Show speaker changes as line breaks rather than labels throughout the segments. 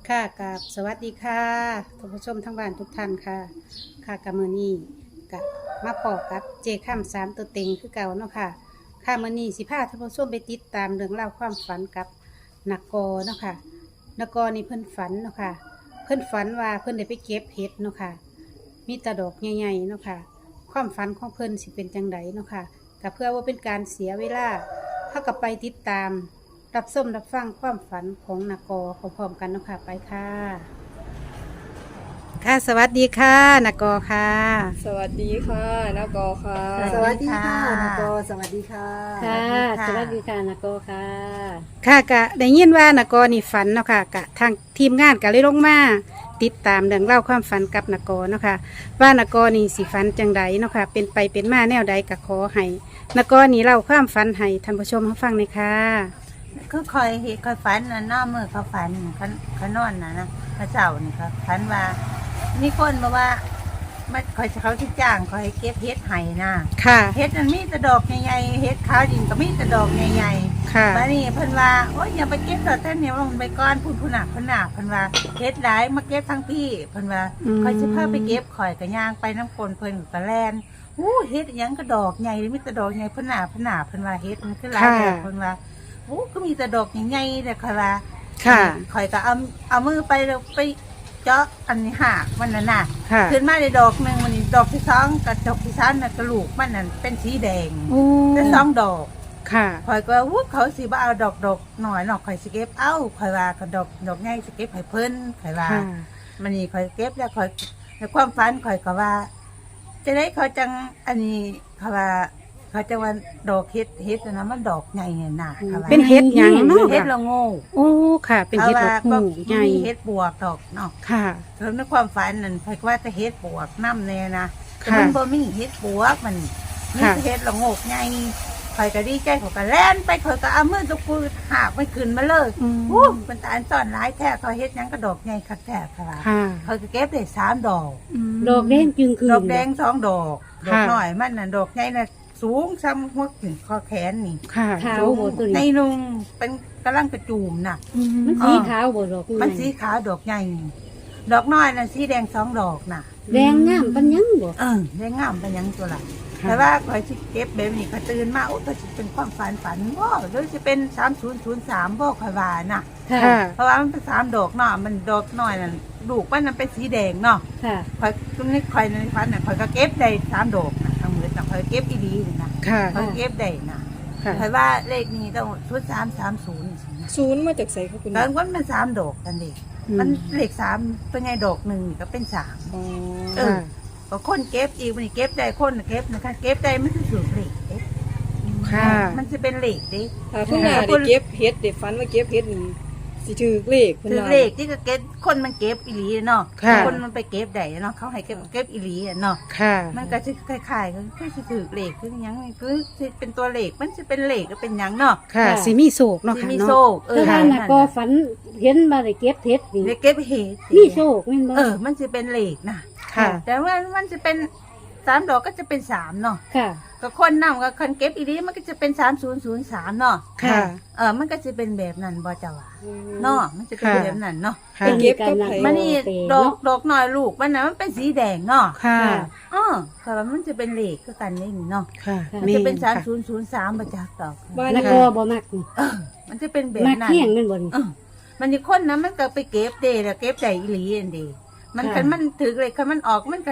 ค่ะกับสวัสดีค่ะท่านผู้ชมทั้งบ้านทุกท่านค่ะค่ะกับมือนี้กับมาปอกกับเจข้ามสามตัวเต็งคือเก่าเนาะค่ะค่ะมือนี้สิพาท่านผู้ชมไปติดตามเรื่องเล่าวความฝันกับนักกอเนาะค่ะนักกอนี่เพิ่นฝันเนาะค่ะเพิ่นฝันว่าเพิ่นได้ไปเก็บเห็ดเนาะค่ะมีแตะดอกใหญ่ๆเนาะค่ะความฝันของเพิ่นสิเป็นจังไดเนาะค่ะก็เพื่อว่าเป็นการเสียเวลาเท่ากับไปติดตาม รับส้มรับฟังความฝันของนกพร้อมๆกันเนาะค่ะไปค่ะค่ะสวัสดีค่ะนกค่ะ
สวัสดีค่ะนกอค่ะ
สวัสดีค่ะนกสวัสดีค่ะ
ค่ะ
สวัสดีค่ะนกค่ะ
ค่ะกะได้ยินว่านกนี่ฝันเนาะค่ะกะทางทีมงานกะเลยลงมาติดตามเรื่องเล่าวความฝันกับนกเนาะค่ะว่านกนี่สิฝันจังใดเนาะค่ะเป็นไปเป็นมาแนวใดกะขอให้นกนี่เล่าความฝันให้ท่านผู้ชมรับฟังเลยค่ะ
ก็คอยเห็นคอยฝันน่ะหน้ามือเขาฝันเขานอนนะเขาเจ้านี่เขาฝันว่ามีคนบอกว่ามันคอยเขาที่จ้างคอยเก็บเฮ็ดไห้นะ
ค่ะ
เฮ็ดมันมีแต่ดอกใหญ่ๆเฮ็ดขาวดินก็มีแต่ดอกใหญ่
ค่ะ
ๆมานี่เพิ่นว่าโอ้ยอย่าไปเก็บดอกแต่เนี่ยลงไปก้อนพูนผู้หนักเพิ่นว่าเฮ็ดหลายมาเก็บทั้งพี่เพิ่นว่าคอยสิพาไปเก็บข่อยก็ย่างไปน้ำกลเพิ่นก็แล่นเฮ็ดหยังก็ดอกใหญ่มีแต่ดอกใหญ่เพิ่นว่าเฮ็ดมันคือหลายแบบเพิ่นว่าก็มีแต่ดอกใหญ่ๆแต่ค่ะว่า
ค่ะ
ข่อยก็เอามือไปแล้วไปเจาะอันนี้หากมันน่ะน่ะ
ค่ะ
ขึ้นมาในดอกหนึ่งมันนี่ดอกที่สองกับดอกที่สามน่ะกระลูกมันนั่นเป็นสีแดง
โอ้
เป็นสองดอก
ค่ะ
ข่อยก็เขาสิบ่เอาดอกหน่อยข่อยสิเก็บข่อยว่าก็ดอกใหญ่สิเก็บให้เพิ่นข่อยว่า
ค่ะ
มันนี่ข่อยเก็บแล้วข่อยในความฝันข่อยก็ว่า จะได้เขาจังอันนี้เขาว่าเขาจะว่าดอกเฮ็ดนะมันดอกใหญ่ไงน่ะเขาว่า
เป็นเห็ดหยังเนาะ
เฮ็ดละโง่
โอ้ค่ะ เป็นเห็ดดอกหูใหญ่
มีเฮ็ดบวกดอกเนาะ
ค่ะ
แล้วในความฝันนั่นข่อยก็ว่าจะเฮ็ดบวกน้ำแน่นะแต่
ค่ะ
มันบ่มีเฮ็ดบวกมันมี
ค่ะ
แต่เฮ็ดละโงกใหญ่ข่อยก็ดีใจข่อยก็แล่นไปข่อยก็เอามือตะปูหากมันขึ้นมาเลย
อืม
มันตาอันซ่อนหลายแท้ข่อยเฮ็ดหยังก็ดอกใหญ่คักแท้ค่ะ
ค่ะ
ข่อยก็เก็บได้3 ดอก
ดอกแดงจึงคืน
ดอกแดง2 ดอกดอก
ค่ะ
น้อยมันน่ะดอกใหญ่น่ะสูงซ้ำหัวถึงคอแขนนี่
ค่ะ
ขาว
สูง
บ่ตัว
ใน
นี้
นุงเป็นกำลังกระจูมน่ะ
มันสีขาวบ่ดอก
มันสีขาวดอกใหญ่ดอกน้อยน่ะสีแดง2 ดอกน่ะ
แดงงามปัญญังบ่
ได้งามไปยังตัวละ
ค่ะ
แต่ว่าคอยสิเก็บแบบนี้ก็ตื่นมาก็สิเป็นความฝันบ่หรือจะเป็น3003บ่คอยว่านะ
ค่ะ
ค่ะ
เพราะว่ามันเป็น3 ดอกเนาะมันดอกน้อยนั่นลูกมันนั้นเป็นสีแดงเนาะ
ค่ะ
คอยตรงนี้คอยในฝันน่ะคอยก็เก็บได้3 ดอกนะทั้งหมดน่ะคอยเก็บอีดีนี่นะ
ค่ะ
คอยเก็บได้นะ
ค่ะ
คอยว่าเลขนี้ต้อง0330สินะ
ศูนย์มาจากไสคะคุณ
ตอนวันมัน3 ดอกกันเด็กมันเลข3เป็นไงดอกหนึ่งก็เป็น3
อ๋อ
เออ ก็คนเก็บอีกมันเก็บได้คนเก็บนะคะเก็บได้มันคือสูตรเหล็กเด้
ค่ะ
มันจะเป็นเหล็กเด้
ถ้าคุณน่ะได้เก็บเฮ็ดได้ฝันว่าเก็บเฮ็ดนี่สิถือเลขเพิ่น
คือ
ว่า
เหล็กที่ก็เก็บคนมันเก็บอีหลีเนาะ
ค่ะ
คนมันไปเก็บได้เนาะเขาให้เก็บอีหลีอะเนาะ
ค่ะ
มันก็จะคล้ายๆกันคือสิถือเหล็กคือหยังคือสิเป็นตัวเหล็กมันจะเป็นเหล็กก็เป็นหยังเนาะ
ค่ะสิมีโศกเนาะ
สิ
ค่ะ
มี
เนาะ
โซ่
แต่ว่าน่ะก็ฝันเห็นมาได้เก็บเฮ็ดนี่
ได้เก็บเห็ด
มีโชคแม่นบ่
มันจะเป็นเหล็กนะ
ค่ะ
แต่ว่ามันจะเป็น3 ดอกก็จะเป็น3เนาะ
ค่ะ
ก็คนนำกับคนเก็บอีหลีมันก็จะเป็น3003เนาะ
ค่ะ
มันก็จะเป็นแบบนั้นบ่เจ้าว่าเนาะมันจะเป็น
ค่ะ
แบบนั้นเนาะ
ค่ะ
ไปเก็บกับไผ
มันนี่ดอกน้อยลูกมันน่ะมันเป็นสีแดงเนาะ
ค่ะ
ค่ะว่ามันจะเป็นเหล็กคือกันนี่เนาะ
ค่ะ
มันจะเป็น
ค่ะ
3003บ่จักดอก
บ้าน
แล้
น่ะ
ว
ก็บ่มักนี่
มันจะเป็นแบบ
มัก
นั้น
เที่ยงแม่นบ่นี่
มันนี่คนนะมันก็ไปเก็บเด้แล้วเก็บได้อีหลีอันเดีมัน
ค่ะ
คันมันถือเลยคันมันออกมันก็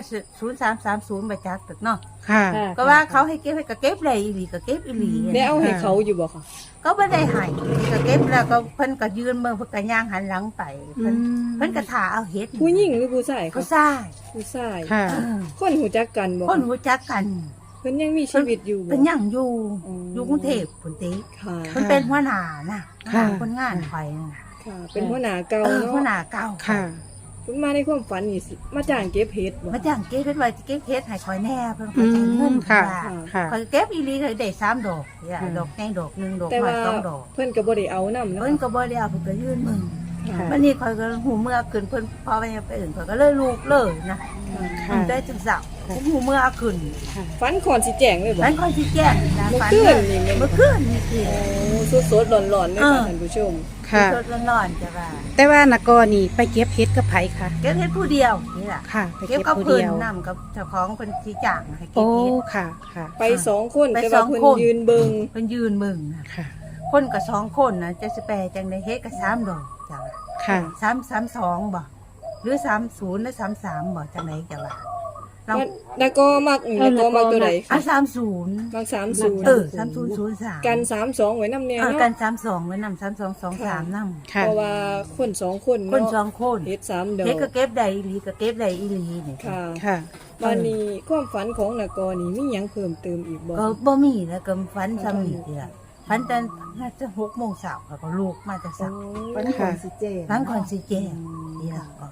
0330บ่จักตึกเนาะ
ค่ะ
ค่ะ
ก็ว่าเขาให้เก็บให้ก็เก็บได้อีหลีก็เก็บอีหลี
ได้เอาให้เขาอยู่บ่คะ
ก็บ่ได้ให้ก็เก็บแล้วก็เพิ่นก็ยืนเบิ่งเพิ่นก็ย่างหันหลังไปเพิ่นก็ท่าเอาเฮ็ด
ผู้หญิงหรือผู้ชาย
ผู้
คะ
ชาย
ผู้ชาย
ค่ะ
คนหูจักกันบ่
คนรู้จักกัน
เพิ่นยังมีชีวิตอยู่บ่
เป็นยังอยู่
อ๋อ
อ
อ
ยู่กรุงเทพพุ่นติ
ค่ะ
มันเป็นหัวหน้านะ
ค่ะ
คนงานข่อยน่ะ
ค่ะ เป็นหัวหน้าเก่า
หัวห
เนาะ
น้าเก่า
ค่ะ
เพิ่นมาในความฝันนี่สิมาจ้างเก็บเฮ็ดบ่
มาจ้างเก็บเฮ็ดไว้เก็บเฮ็ดให้ข่อยแน่เพิ่น
อื
ข่อยจ่ายเงิ
ม
น
ค่ะ
ว่า
ค่ะ
ข่อยเก็บอีหลีข่อยได้3 ดอกเนี่ย
ค่ะ
ดอกใหญ่ดอกหนึงดอก
แต่
น้อ
ว่าย
2 ดอก
เพิ่นก็บ่ได้เอานำเนาะ
เพิ่นก็บ่ได้เอาเพิ่นก็ยืนมึง
ค่ะ
ค่ะ
วันนี้ข่อยก็หูเมื่อขึ้นเพิ่นพอไปเอาไปอื่นข่อยก็เลยลูกเลยนะ
ค่ะ
มันได้จังเสา
ค่ะ
ผมหูเมื่อเอาขึ้น
ค่ะ
ฝันก่อนสิแจ้งเลยบ่
มันค่อยสิแจ้งนะ
เมื่อ
ฝั
คืนนี่แม่นบ่
เมื่อคืนนี่คือ
โอ้สดๆร้อนๆเลยค่ะท่านผู้ชม
ค่ะ
สดร้อนๆจ้ะว่า
แต่ว่านกอนี่ไปเก็บเฮ็ดกับไผค่ะ
เก็บเฮ็ดผู้เดียวนี่ล่ะ
ค่ะ ไป
เก็บ
เก็บ
กับ
ผู้
เพิ่น
เดียว
นำกับเจ้าของเพิ่นสิจ้างให้เก็
โอ้
บเฮ็ด
ค่ะ ค่ะ
ไป2คน
ไป
แต่ว่า
สอง
เพิ่น
คน
ยืนเบิ่ง
เพิ่นยืนมึงน่ะ
ค่ะ
คนก็2คนน่ะจะสิแปลจังได๋เฮ็ดก็3ดอกจ้ะว่า
ค่ะ
332บ่หรือ30หรือ33บ่จังได๋จ้ะว่าเรา
แล้วก็มักตัวใด
อ่ะ
ค่ะ
30
มัก30
เออ3003
กัน32ไว้นำแน่
เออ
เนาะ
กัน32ไว้นำ3223นำ
ค่ะ
เพราะว่าคน2คน
คน
เนาะ
2คน
เฮ็ด3ดอก
เฮ็ดก็เก็บได้อีหลีก็เก็บได้อีหลีนี่
ค่ะ
ค่ะ
วันนี้ความฝันของนกรนี่มีหยังเพิ่มเติมอีกบ่
ก็บ่มีแล้วก็ฝันซ้ำนี่ทีละฝันแต่น่าจะ6 โมงเช้าแล้วก็ลูกมาแต่
โอ้
เช้า
วันก่อนสิเจ
ฝันก่อนสิแจ้งทีละก็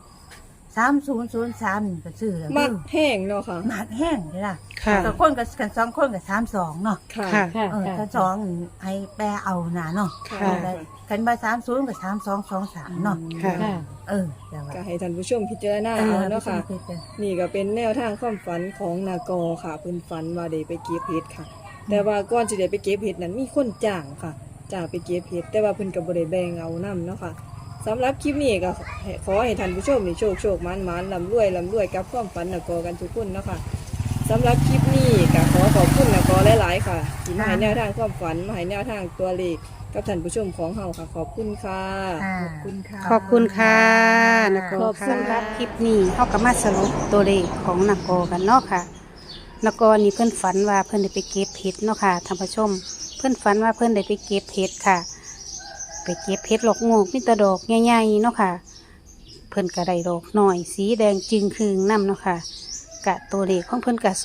3003นี่ก็ซื้อแล้ว
มักแห้งเนาะค่ะ
หมากแห้งทีละ
ค่ะ
ก็คนกับกัน2คนก็32เนาะ
ค่ะ
ค่ะ
ถ้า2ให้แปลเอาน่ะเนาะ
ค่ะ
ค่ะ
กันบ่30ก็3223เนาะ
ค่ะ
แต่ว่า
ก็ให้ท่านผู้ชมพิจารณาเอาเนาะค่ะ นี่ก็เป็นแนวทางความฝันของนากอค่ะเพิ่นฝันว่าได้ไปเก็บเห็ดค่ะ แต่ว่าก่อนสิได้ไปเก็บเห็ดนั้นมีคนจ้างค่ะจ้างไปเก็บเห็ดแต่ว่าเพิ่นก็บ่ได้แบ่งเอานํเนาะค่ะสำหรับคลิปนี้ก็ขอให้ท่านผู้ชมนี่โชคมันร่ำรวยกับความฝันนากอกันทุกคนเนาะค่ะสำหรับคลิปนี้ก็ขอขอบคุณนากอหลายๆค่ะที่มาให้แนวทางความฝันมาให้แนวทางตัวเลขกับท่านผู้ชมของเฮาค่ะ ขอบคุณค่ะ
ขอบคุณค่ะ
ขอบคุณค่ะนก
ขอบคุณ
สำห
ค่ะ
รับคลิปนี้เขาก็มาสรุปตัวเลขของนกกันเนาะค่ะนกนี่เพื่อนฝันว่าเพื่อนได้ไปเก็บเห็ดเนาะค่ะท่านผู้ชม เพื่อนฝันว่าเพื่อนได้ไปเก็บเห็ดค่ะ ไปเก็บเห็ดหลอกงอกมีแตะดอกใหญ่ๆเนาะค่ะ เพื่อนก็ได้ดอกหน่อยสีแดงจึงคืงน้ำเนาะค่ะกะตัวเลขของเพื่อนกะ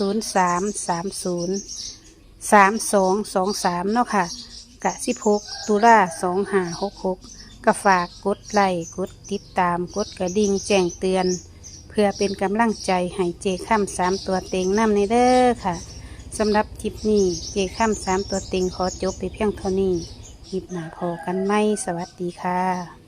03303223เนาะค่ะกะ16 ตุลา2566ก็ฝากกดไลค์กดติดตามกดกระดิ่งแจ้งเตือน เพื่อเป็นกำลังใจให้เจค่ำ3 ตัวเต็งน้ำในเด้อค่ะสำหรับคลิปนี้เจค่ำ3 ตัวเต็งขอจบไปเพียงเท่านี้คลิปหน้าพอกันไหมสวัสดีค่ะ